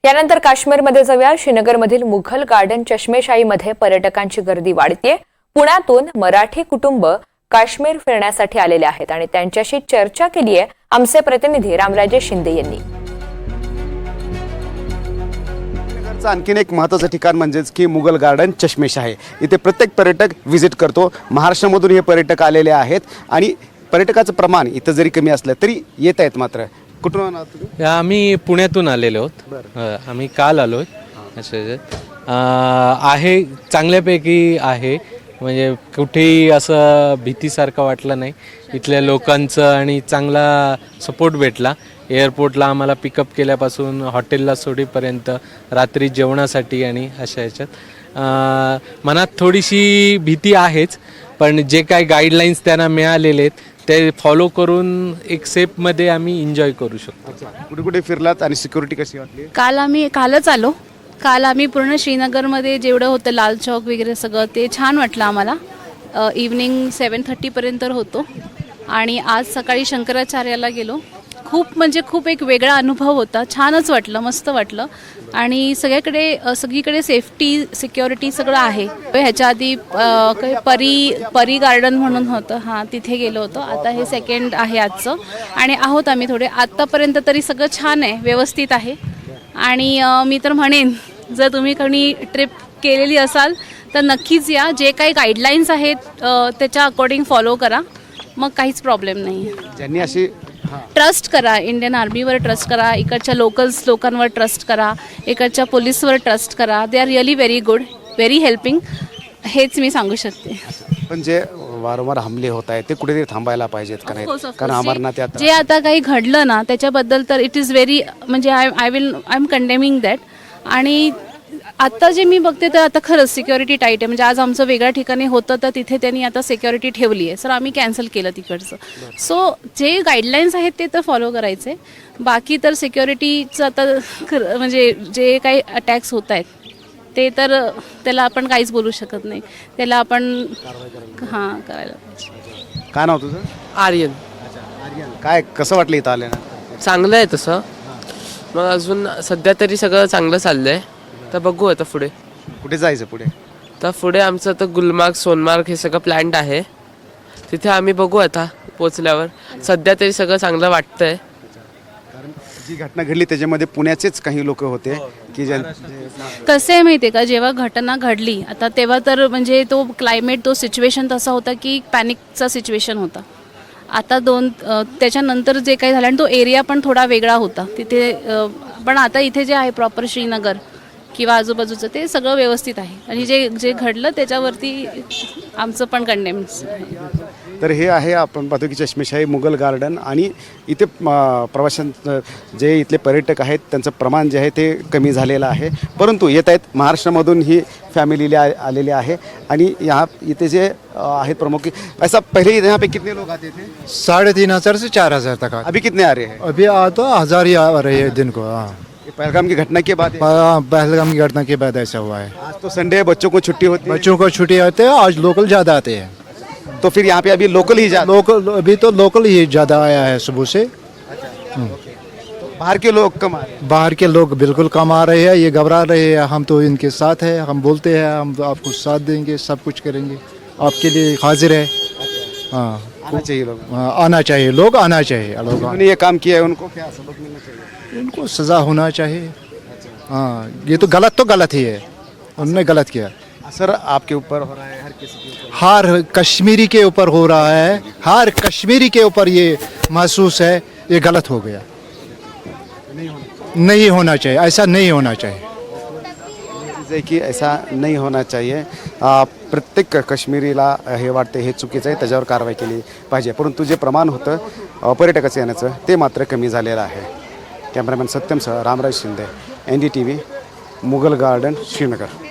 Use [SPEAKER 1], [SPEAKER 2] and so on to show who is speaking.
[SPEAKER 1] यानंतर काश्मीरमध्ये जाऊया. श्रीनगरमधील मुघल गार्डन चष्मेशाहीमध्ये पर्यटकांची गर्दी वाढतेय. पुण्यातून मराठी कुटुंब काश्मीर फिरण्यासाठी आलेले आहेत आणि त्यांच्याशी चर्चा केली आहे आमचे प्रतिनिधी रामराजे शिंदे यांनी.
[SPEAKER 2] आणखीन एक महत्त्वाचं ठिकाण म्हणजेच की मुघल गार्डन चष्मेशाही. इथे प्रत्येक पर्यटक व्हिजिट करतो. महाराष्ट्रामधून हे पर्यटक आलेले आहेत आणि पर्यटकाचं प्रमाण इथं जरी कमी असलं तरी येत आहेत. मात्र कुठून आहात तुम्ही?
[SPEAKER 3] आम्ही पुण्यातून आलेलो आहोत. आम्ही काल आलो आहे. चांगल्यापैकी आहे, म्हणजे कुठेही असं भीतीसारखं वाटलं नाही. इथल्या लोकांचं आणि चांगला सपोर्ट भेटला. एअरपोर्टला आम्हाला पिकअप केल्यापासून हॉटेलला सोडीपर्यंत, रात्री जेवणासाठी आणि अशा ह्याच्यात मनात थोडीशी भीती आहेच, पण जे काही गाईडलाईन्स त्यांना मिळालेले आहेत ते फॉलो करून एक सेफमध्ये आम्ही एन्जॉय करू शकतो.
[SPEAKER 2] कुठे कुठे फिरलात आणि सिक्युरिटी कशी वाटली?
[SPEAKER 4] कालच आलो. काल आम्ही पूर्ण श्रीनगरमध्ये जेवढं होतं लाल चौक वगैरे सगळं ते छान वाटलं आम्हाला. इव्हनिंग 7:30पर्यंत होतो आणि आज सकाळी शंकराचार्याला गेलो. खूप एक वेगळा अनुभव होता. छानच वाटलं, मस्त वाटलं आणि सगळीकडे सेफ्टी सिक्युरिटी सगळं आहे. ह्याच्या आधी परी गार्डन म्हणून होतं, हां तिथे गेलो होतो. आता हे सेकंड आहे आजचं आणि आहोत आम्ही थोडे. आत्तापर्यंत तरी सगळं छान आहे, व्यवस्थित आहे. आणि मी तर म्हणेन जर तुम्ही कोणी ट्रिप केलेली असाल तर नक्कीच या. जे काही गाईडलाईन्स आहेत त्याच्या अकॉर्डिंग फॉलो करा, मग काहीच प्रॉब्लेम नाही आहे.
[SPEAKER 2] ज्यांनी अशी
[SPEAKER 4] ट्रस्ट करा, इंडियन आर्मीवर ट्रस्ट करा, इकडच्या लोकांवर ट्रस्ट करा, इकडच्या पोलीसवर ट्रस्ट करा. They are really very good, very helping, हेच मी सांगू शकते.
[SPEAKER 2] पण जे वारंवार हमले होत आहेत ते कुठेतरी थांबायला पाहिजेत का नाही? कारण अमरनाथ
[SPEAKER 4] जे आता काही घडलं ना त्याच्याबद्दल तर इट इज व्हेरी, म्हणजे आय एम कंडेमिंग दॅट. आणि आता जे मी बघते तर आता खरंच सिक्युरिटी टाईट आहे. म्हणजे आज आमचं वेगळ्या ठिकाणी होतं तर तिथे त्यांनी आता सिक्युरिटी ठेवली आहे. सर आम्ही कॅन्सल केलं तिकडचं. सो जे गाईडलाईन्स आहेत ते तर फॉलो करायचे. बाकी तर सिक्युरिटीचं आता म्हणजे जे काही अटॅक्स होत आहेत ते तर त्याला आपण काहीच बोलू शकत नाही. त्याला आपण करायला पाहिजे.
[SPEAKER 2] काय नाव तुझं?
[SPEAKER 5] आर्यन.
[SPEAKER 2] आर्यन, काय कसं वाटलं इथं आल्यानं?
[SPEAKER 5] चांगलं आहे तसं. मग अजून सध्या तरी सगळं चांगलं चाललं आहे. तर बघू आता पुढे
[SPEAKER 2] कुठे जायचं पुढे?
[SPEAKER 5] तर पुढे आमचं तर गुलमार्ग, सोनमार्ग हे सगळं प्लॅन्ड आहे. तिथे आम्ही बघू आता पोचल्यावर. सध्या तरी सगळं चांगलं वाटतंय.
[SPEAKER 2] कारण जी घटना घडली त्याच्यामध्ये पुण्याचेच काही लोक होते की
[SPEAKER 4] कसं आहे माहिती आहे का, जेव्हा घटना घडली आता तेव्हा तर म्हणजे तो क्लायमेट, तो सिच्युएशन तसा होता की पॅनिकचा सिच्युएशन होता. आता त्याच्यानंतर जे काही झालं आणि तो एरिया पण थोडा वेगळा होता तिथे. पण आता इथे जे आहे प्रॉपर श्रीनगर किंवा आजूबाजूचं ते सगळं व्यवस्थित आहे. आणि जे घडलं त्याच्यावरती आमचं पण कंडेम्स.
[SPEAKER 2] तर हे आहे आपण पाहतो की चष्मेशाही मुघल गार्डन आणि इथे प्रवाशांचं जे इथले पर्यटक आहेत त्यांचं प्रमाण जे आहे ते कमी झालेलं आहे. परंतु येत आहेत महाराष्ट्रामधून ही फॅमिली आलेले आहे आणि इथे जे आहेत प्रमुख. ऐसा पहले यहाँ पे कितने लोग आते थे?
[SPEAKER 6] 3,500 से 4,000 तक.
[SPEAKER 2] अभी कितने आ रहे हैं?
[SPEAKER 6] अभी तो 1,000 ही आ रहे हैं दिन को. हाँ,
[SPEAKER 2] पहलगाम की घटना के बाद?
[SPEAKER 6] पहलगाम की घटना के बाद ऐसा हुआ है.
[SPEAKER 2] आज तो संडे है, बच्चों को छुट्टी होती है.
[SPEAKER 6] बच्चों को छुट्टी आते हैं, आज लोकल ज़्यादा आते हैं.
[SPEAKER 2] तो फिर यहाँ पे अभी लोकल ही
[SPEAKER 6] अभी तो लोकल ही ज़्यादा आया है सुबह से.
[SPEAKER 2] बाहर के लोग कम आ रहे हैं?
[SPEAKER 6] बाहर के लोग बिल्कुल कम आ रहे हैं. ये घबरा रहे हैं. हम तो इनके साथ हैं. हम बोलते हैं हम तो आपको साथ देंगे, सब कुछ करेंगे, आपके लिए हाजिर है. हाँ,
[SPEAKER 2] आना चाहिए लोग.
[SPEAKER 6] आना चाहिए, लोग आना चाहिए. लोग
[SPEAKER 2] उन्होंने ये काम किया है, उनको क्या सबक मिलना चाहिए?
[SPEAKER 6] उनको सज़ा होना चाहिए. हाँ, ये तो गलत ही है. उन्होंने गलत किया.
[SPEAKER 2] असर आपके ऊपर हो रहा है, हर किसी के ऊपर.
[SPEAKER 6] हर कश्मीरी के ऊपर हो रहा है. हर कश्मीरी के ऊपर ये महसूस है ये गलत हो गया. नहीं होना चाहिए. ऐसा नहीं होना चाहिए.
[SPEAKER 2] आहे की ऐसा नाही होना चाहिए. प्रत्येक काश्मीरीला हे वाटते हे चुकीचं आहे, त्याच्यावर कारवाई केली पाहिजे. परंतु जे प्रमाण होतं पर्यटकाचं येण्याचं ते मात्र कमी झालेलं आहे. कॅमेरामॅन सत्यमसह रामराज शिंदे, NDTV, मुघल गार्डन, श्रीनगर.